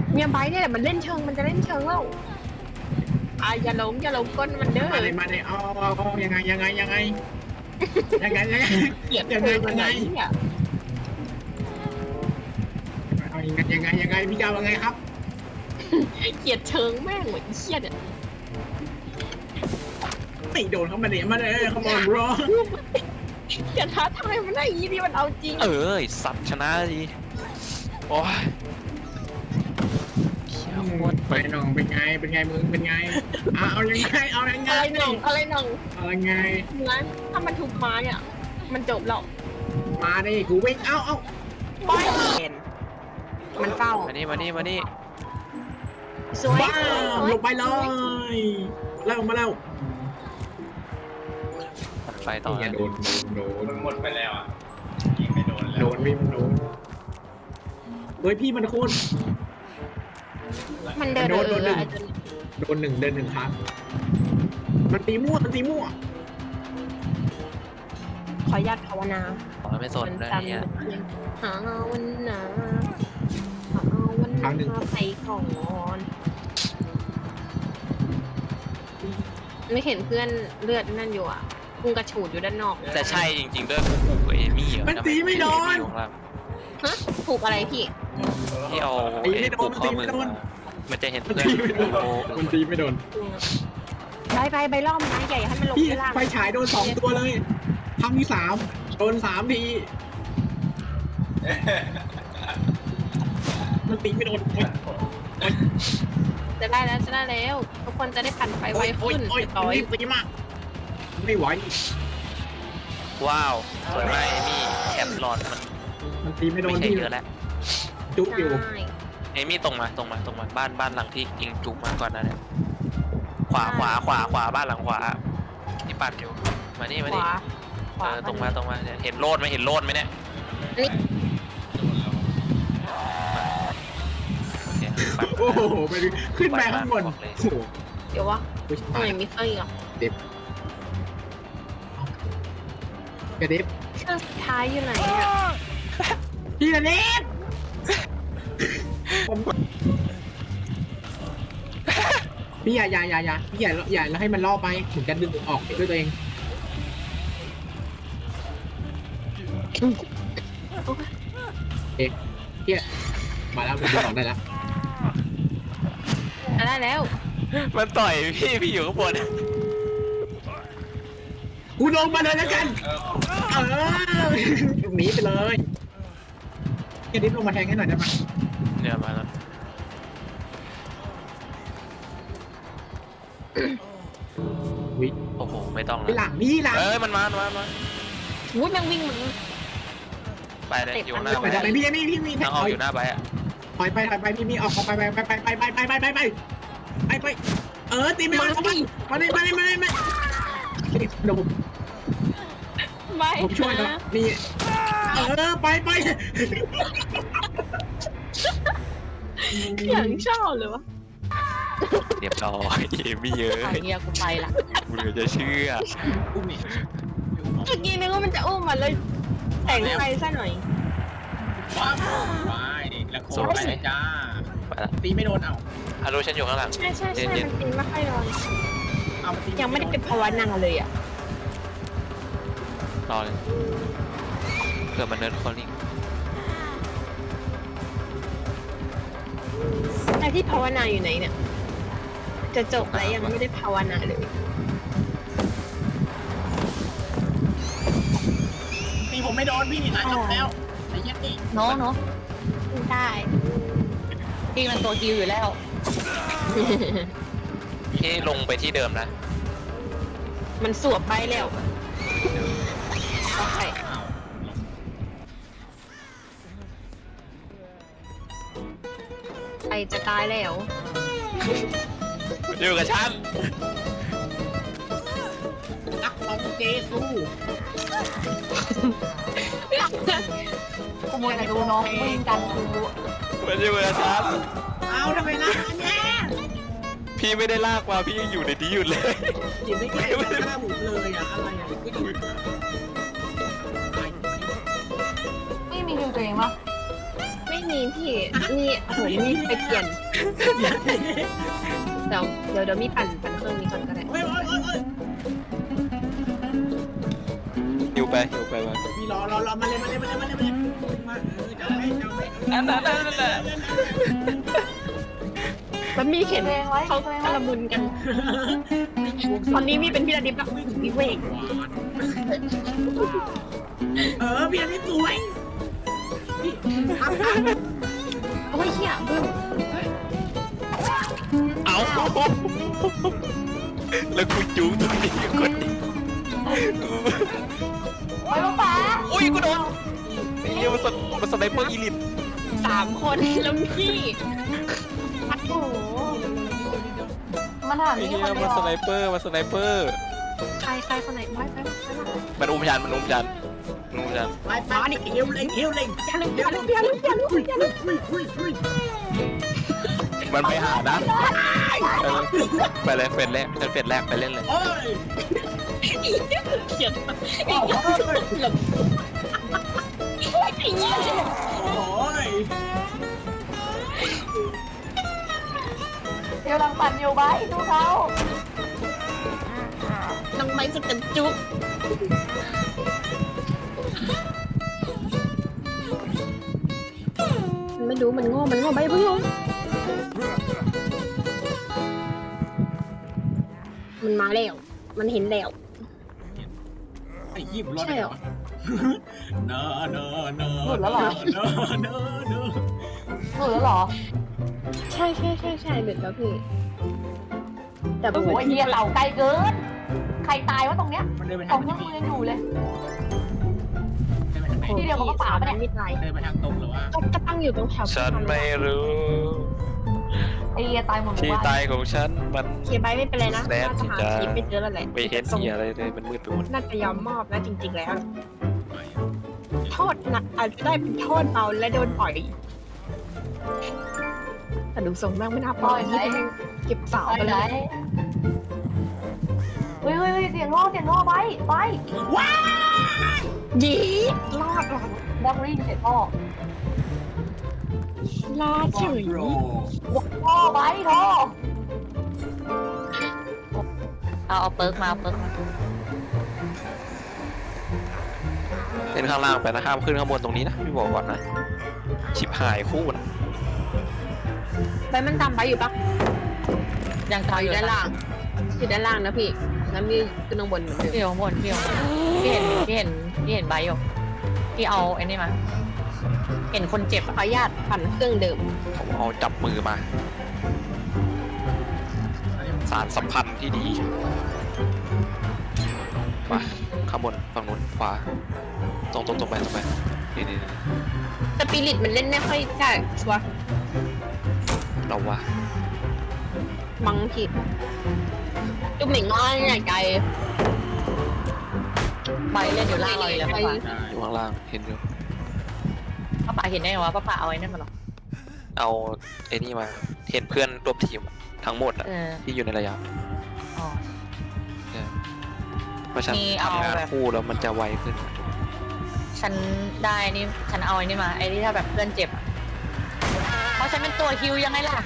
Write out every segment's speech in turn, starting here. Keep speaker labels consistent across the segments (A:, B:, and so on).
A: เมียไบร์ทเนี่ยแหละมันเล่นเชิงมันจะเล่นเชิงแล้วอย่าหลงก้นมันเด้อ
B: มาเลยเอายังไงยังไงยังไง
A: เกลียด
B: ยัง
A: เธ
B: ไง
A: อ
B: ยังไง
A: เนี่ย
B: เอายังไงพี่เจ้ายังไงครับ
A: เกลียดเชิงแม่งเหมือนเชี่ยเนี่ย
B: ไม่โดนเขามาเลยเขามารอ
A: อย่าท้าทายมันได้ยี่นี่มันเอาจริง
C: สัตว์ชนะดีโอ้ย
B: ไปน้องเป็นไงมึงเป็นไงเอายังไง
A: อะไรหน่อง
B: เอายังไง
A: งั้นถ้ามันถูกมาเนี่ยมันจบแล้ว
B: มาดิกูวิ่งเอา
A: ไม่เห็นมันเฝ้า
C: มานี่
A: สวย
B: ว้าวลงไปเลยแล้วมาแล้ว
C: ตัดไฟต่อ
B: อย่าโดน
D: มันหมดไปแล้วอ่ะยิงไม่โดนแล้ว
B: โดนพี่มันโดนเฮ้ยพี่มันโคตร
A: มันเดิน
B: โดนหนึ่งครั้งมันตีมั่ว
A: ขออนุญาตภาวนา
C: ไม่สนเลยเนี่ย
A: หาวันหนาไปก่อนไม่เห็นเพื่อนเลือดนั่นอยู่อ่ะพุ่งกระฉูดอยู่ด้านนอก
C: แต่ใช่จริงๆด้วยกูกับเอมี่เหรอ
B: มันตีไม่โดน
A: ฮะถูกอะไรพี่
C: ที่เอาปลูกข้อมือมันจะเห็นเพื่อน
B: มันตีไม่โดน
A: ไปล่อมไม้ใหญ่ให้มันลง
B: พี่
A: ไปล่าง
B: ไฟฉายโดน2ตัวเลยครั้งที่3โดน3ทีมันตีไม่โดน
A: จะได้แล้วทุกคนจะได้ปั่นไฟไวขึ้น
B: ต่อยตีมากไม่ไหว
C: ว้าวสวยมากเอมี่แคปหลอด
B: มันตีไม่โด
C: ไม่
B: น
C: ใช่
B: ที่
C: เยอะแล้ว
B: จุ๊บอยู่
C: เอมี่ตรงมาบ้านหลังที่ยิงจุกมาก่อนนะเนี่ยขวาบ้านหลังขวาที่ปั่นอยู่มานี่ ตรงมาเนี่ยเห็นโลดไหมเนี่ยโอเค
B: โอ้โหไปขึ้นไปข้างบนโอ้โห
A: เดี๋ยววะทำไมมีไฟอ่ะ
B: กระดิบ
A: เครื่องสุดท้ายอยู่ไหนอ่ะ
B: พี่กระดิบพี่อย่าพี่อย่าแล้วให้มันล่อไปถึงจะดึงออกด้วยตัวเองเฮียมาแล้วผมดึงออกได้แล้ว
A: ได้แล้ว
C: มันต่อยพี่อยู่ข้างบน
B: กูลงมาเลยแล้วกันหนีไปเลยกระดิบลงมาแทงให้หน่อยได้ไหม
C: เนี่ยมาแล้วโอ้โหไม่ต้อง
B: ไปหลังนี่หลัง
C: มันมา
A: วุ้ยแม่งวิ่งมัน
C: ไปเลยอยู่หน้า
B: ไปทำไมพี่
C: ทางออกอยู่หน้าไปอ่ะ
B: ถอยไปพี่ออกไปตีไม่มาเดี๋ยวผมช่วยนะนี่ไป
A: อย่างชอบเลยวะ
C: เรียบร้อยเอมี่เยอะ
A: เฮียกูไปละ
C: กูเหลือจะเชื่อ
B: อุ้มนี่
A: เมื่อกี้นึกว่ามันจะอุ้มมาเลยแต่งไฟซะหน่อย
D: ว้าวไปแล้วโคตรไปจ้า
C: ไปละ
B: ตีไม่โดนเอา
C: ฮัลโหลฉันอยู่ข้างหลัง
A: ใช่มันตีไม่ค่อยโดน
B: เอามาตี
A: ยังไม่ได้เป็นภาวนาเลยอ่ะ
C: รอเลยเกิดมันเนิร์ดคอลลิ่ง
A: ไอ้ที่ภาวนาอยู่ไหนเนี่ยจะจบแล้วยังไม่ได้ภาวนาเลย
B: ตีผมไม่โดนพี่จบแล้วไอ้ยัดนี่
A: เนาะได้จริงมันตัวจิวอยู่แล้ว
C: พี่ลงไปที่เดิมนะ
A: มันสวบไปแล้วโอเคไปจะตายแล้ว
C: อยู่กับฉัน
B: นักลองเจสู้
A: กูมัวแต่ดูน้องวิ่งกันกู
C: มันอยู่กับฉัน
B: เอาทำไมนะเนี่ย
C: พี่ไม่ได้ลากมาพี่ยังอยู่ในนี้อยู่เลย
B: ยินไม่เก่งหน้าผมเลยอะไรก็ดี
A: ไม่มีคิวตัวเองปะไม่มีพี่นี่โอ้โหมีไปเปลี่ยนเดี๋ยวมีปั่นเครื่องนี้ก่อนก็ได้
B: โอ้ยโอ้ยโอ้ยโอ้ย
C: หิวไปมา
B: พี่รอมาเลยมาจะไม่
C: นั่น
A: มันมีเข็นเขากระมุนกันตอนนี้มีเป็นพี่ระดิบแล้วพี่เวก
B: พี่อันนี้สวยพี่
A: โอ้ยเหี้ยบึ้ม
C: เอาแล้วกูจูงตัวนี้คน
E: ไปลูกป๋า
C: อุ้ยกูโดนไอ้เหี้ยมันสไนเปอร์อีลิท
A: 3 คนแล้วพี่โอ้โห
E: มันถาม
C: ไอ้
E: นี่
C: เหี้ย
E: คนเดี
C: มั
E: ย
C: น
E: ว
C: สไนเปอร์
A: ใครคนไหนไป
C: มันอุ้มยันมันอุ้มยัน
B: ไปดิเฮลเล็ง
A: อย่าลืมอย่าลืม
C: มันไปหานะไปเลยเฟสแรกไปเล่นเลย
B: โอ้ย
A: เขียน
B: โอ้ย
E: เดี๋ยวลังปั่นอยู่ไว้ดูเขา
A: น้องไม้สุดกันจุ๊บไม่รู้มันโง่ไปเพิ่งลงมันมาแล้วมันเห็นแล้ว
B: ไอ้ยี่ผมรอดได้เหรอเนอะ
E: หลุดแล้วเหรอ
A: ใช่เด็ดแล้วพี่แต่
E: โอ้โหเฮียเหล่าไกลเกินใครตายวะตรงเนี้ย
B: มันเดินไป
E: ข
B: ทา
E: อง ง
B: ไหน
E: เครื่องมือยังอยู่เลย
B: เดินไปทางไหน
E: ที่เดียวกับป่าปะเนี่ย
A: มิดไลน์
B: เดินไปทางตรงหรือว่า
A: ก็ตั้งอยู่ตรงแถว
C: ฉันไม่รู้
E: ไอ้เฮียตายหมดหมู่
C: ที่
E: บ้าน
C: ตายของฉันมัน
A: เคียร์ใบไม่เป็นไรนะ
C: แซด
A: น่าจะหา
C: ที่จะ
A: คลิปไม่เจอแล้วแหละ
C: ไม่เห็นเหี้ยอะไรเลยมันมืดไปหมด
A: น่าจะยอมมอบแล้วจริงๆแล้ว โทษหนักอาจจะได้เป็นโทษเบาและโดนปล่อยแต่ดูทรงแม่งไม่น่าปล่อยนี่เป็นเก็บสาว
E: ไป
A: ไป
E: ไหน
A: เลย
E: เฮ้ยเสียงง้อไป
A: ยีรอดหรอ
E: ดักริ่งเสร็จพ่อ
A: รอดเฉย
B: โร
E: พ่อไปโทเอาเปิร์กมา
C: เล่นข้างล่างไปนะห้ามขึ้นข้างบนตรงนี้นะพี่บอกก่อนนะชิบหายคู่นะ
A: ใบมันตามไปอยู่ปะ
E: ยังตาย
A: อยู่ด้านล่างนะพี่แล้วมีขึ้นข้างบนเหมือนเดิม
E: พี่บนพี่เห็นใบอยู่พี่เอาไอ้นี่มาเห็นคนเจ็บ
A: ขออนุญาตปั่นเครื่องเดิม
C: ผมเอาจับมือมา สารสัมพันธ์ที่ดีมาข้างบนฝั่งนู้นขวาตรงไปนี่
A: สปิริตมันเล่นไม่ค่อยได้ชัวร์
C: เราวะ
A: มังผิดจุ๊บเหม่งน้อยใหญ่ไกล
E: ใบเล่นอยู่ล่างเราอยู่แล้วป้า
C: อยู่ข้างล่างเห็นอยู่
E: ป้าเห็นได้ไงวะป้าเอาไอ้นั่นมาหรอ
C: เอาไอ้นี่มาเห็นเพื่อนร่วมทีมทั้งหมดอะที่อยู่ในระยะ
E: อ๋อ
C: เพราะฉัน
E: นี่เอา
C: ทำงาน
E: แบบ
C: คู่แล้วมันจะไวขึ้น
E: ฉันได้นี่ฉันเอาไอ้นี่มาไอ้ที่ถ้าแบบเพื่อนเจ็บอ่ะเพราะฉันเป็นตัวฮิวยังไงล่ะ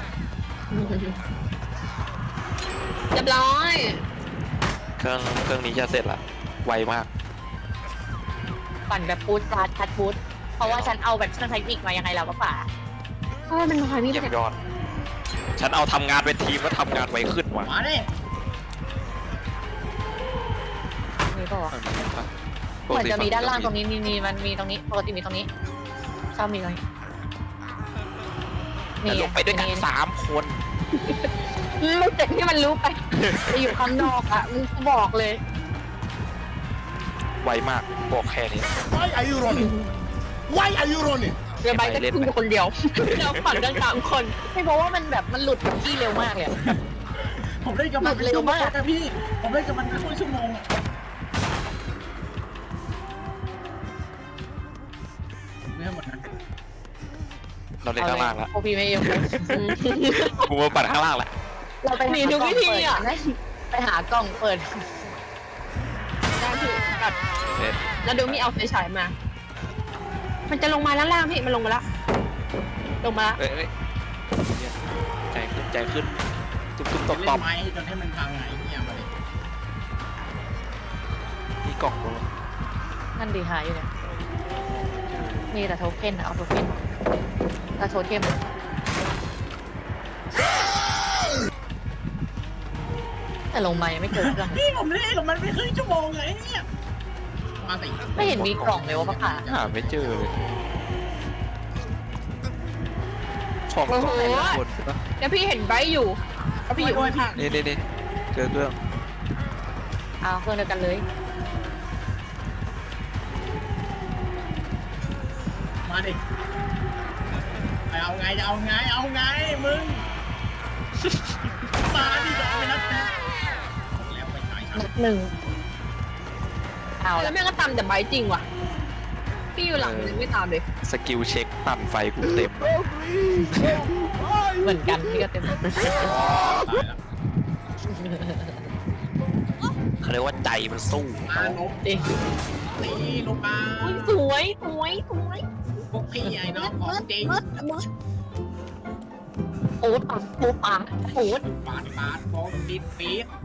A: เรียบร้อย
C: เครื่องนี้จะเสร็จละไวมาก
E: ปั่นแบบปูดฟาดทัดปูดเพราะว่าฉันเอาแบบเครื่องเทคนิคมายังไงล่ะป้า
A: เพราะว่ามันคอยมี
C: เยี่ย
A: แต่
C: มยอด ฉันเอาทำงานเป็นทีมแล้วทำงานไวขึ้นว่ะ
B: มาดิ
E: มีป่าว
C: ฝั่งนี้ปะ
E: เหมือนจะมีด้านล่างตรงนี้มีมันมีตรงนี้ปกติมีตรงนี้ชอบมีตรงนี้
C: แต่ลงไปด้วยกัน3 คน
A: ไม่เจ็บที่มันรู้ไปจะอยู่ข้างนอกอ่ะมึงบอกเลย
C: ไวมากบอกแค่นี้
F: Why are you running? Why are you running?
A: เรือใบก็ขึ้นคนเดียวเราปั่นกัน3 คน
E: ไม่เพราะว่ามันแบบมันหลุดกับที่เร็วมากเลย
B: ผมได้กับมันเป็นชั่วโมงนะพี่ผมได้กับมันเป็นชั่วโมงไม่หมดนะ
C: เราเล่นข้างล่างละ
E: โอพีไม่ยอม
C: กูมาปั่นข้างล่างละ
E: เราไปหากล้องเปิดไปหากล้องเปิด
A: ได้พี่กัด
C: เสร็จ
A: แล้วดูมีเอาไฟฉายมา มันจะลงมาแล้วล่างพี่มันลงมาแล้วลงมา
C: เอ้ยใจขึ้นใจขึ้นตุ๊บตุ๊บตบ
D: เล่
C: ตบ
D: นไม้จนให้มันพังไงเนี่ยมาเลย
C: มีกล่องลง
E: นั่นดีหายอยู่เนี่ยนี่แต่โทเค็นเอาโทเค็นแล้วโทเค็นแต่ลงมายังไม่เจอเครื่อง
D: พี่ผมเล่นกับมันไม่ครึ่งชั่วโมงเลยเนี่ยมาสิ
E: ไม่เห็นมีกล่องเลยวะป้าขา
C: หาไม่เจอเลยของ
A: โอ้โห
C: หมดปะ
A: แล้วพี่เห็นไบร์ทอยู่แล้วพี่อยู่ข้าง
C: นี่เจอเครื่อง
E: เอาเครื่องเดียวกันเลย
D: มาดิเอาไงจะเอาไงเอาไงมึงมาดิจะเอาไปนัดแทนแล้วไปไหนครับ
E: นัดหนึ่งเอา
A: ๆแล้
E: แล้ว ว
A: แม่งก็ตามแต่ไบร์ทจริงว่ะพี่อยู่หลังเลยไม่ตามเลย
C: สกิลเช็คปั่นไฟกูเต็ม
E: เหมือนกันพี่ก็เต็ม
D: ตายแล้ว
C: เขาเรียกว่าใจมันสู้
D: มาลบ
E: จริง
D: ตีลงมา
A: อุ๊ยสวยสวยสวย
D: พวกพี่ไอ้น้องของจริง
E: โอ๊ตอ่ะปูปากโอ๊ต
D: ปาดโฟมปิดปี๊ด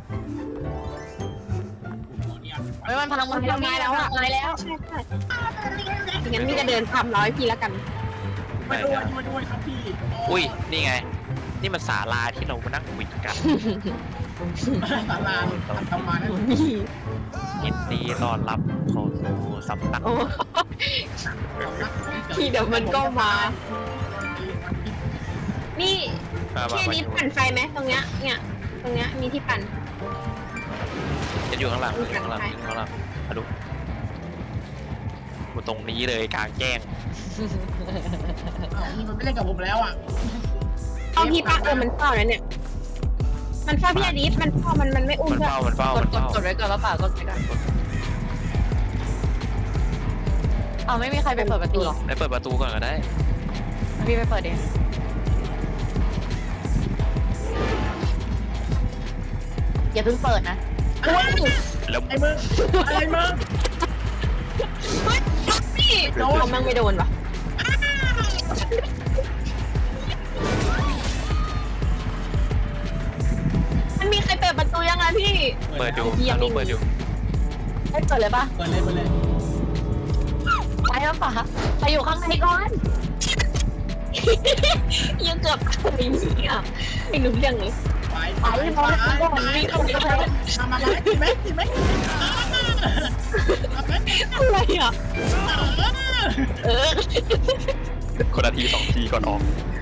E: เฮ้ยมันพลังมัน
A: ทำไมแล้วอ่ะ
E: ตายแล้ว
A: ใช่ใช่งั้นพี่จะเดินตามร้อยพี่แล้วกัน
D: มาด้วยครับพี่
C: อุ้ยนี่ไง นี่มันศาลาที่เรามานั่งคุยกัน
D: ศาลาทำมาได้
C: ยินดีต้อนรับเข้าสู่สำนัก
A: โอ้พี่เดี๋ยวมันก็มา นี่ ที่อันนี้ปั่นไฟไหมตรงเนี้ยเนี่ยตรงเนี้ยมีที่ปั่น
C: จะอยู่ข้างหลังอยู่ข้างหลังอยู่ข้างหลังมาดูกูตรงนี้เลยกลางแจ้ง
D: มันไม่เล่นกับผมแล้วอ่ะ
A: เอาพี่ป้ามันเฝ้าแล้วเนี่ย มันเฝ้าพี่อดีตมันเฝ้ามันไม่อุ้ม
C: มัน
A: เพื่อน
C: เฝ้ามันเฝ้าก
E: ด
C: มัน
E: กด
C: เฝ้าก
E: ดไว้ก่อนแล้วป่ากดไว้ก่อนเอาไม่มีใครไปเปิดประตูหรอ
C: ไปเปิดประตูก่อนก็ได้
E: พี่ไปเปิดเองอย่าเพิ่งเปิดนะ
C: แล้ว
D: ไอ้มึงอะไรมึง
A: เฮ้ยพี่โน้ตมันไม่โดนวะมันมีใครเปิดประตูยังไงพี่
C: เปิดอยู่ฮัลโหลเปิดอยู่
E: ให้เปิดเลยป่ะ
D: เปิดเลย
E: ไปแล้วป่ะไปอยู่ข้างในก่อน
A: ยังเกือบไปเนี่ยไม่รู้เรื่องเลย
D: ไปทำอะไรกินไหม
A: อะไรอ่ะ เออ
C: คนละที2 ทีก่อนออก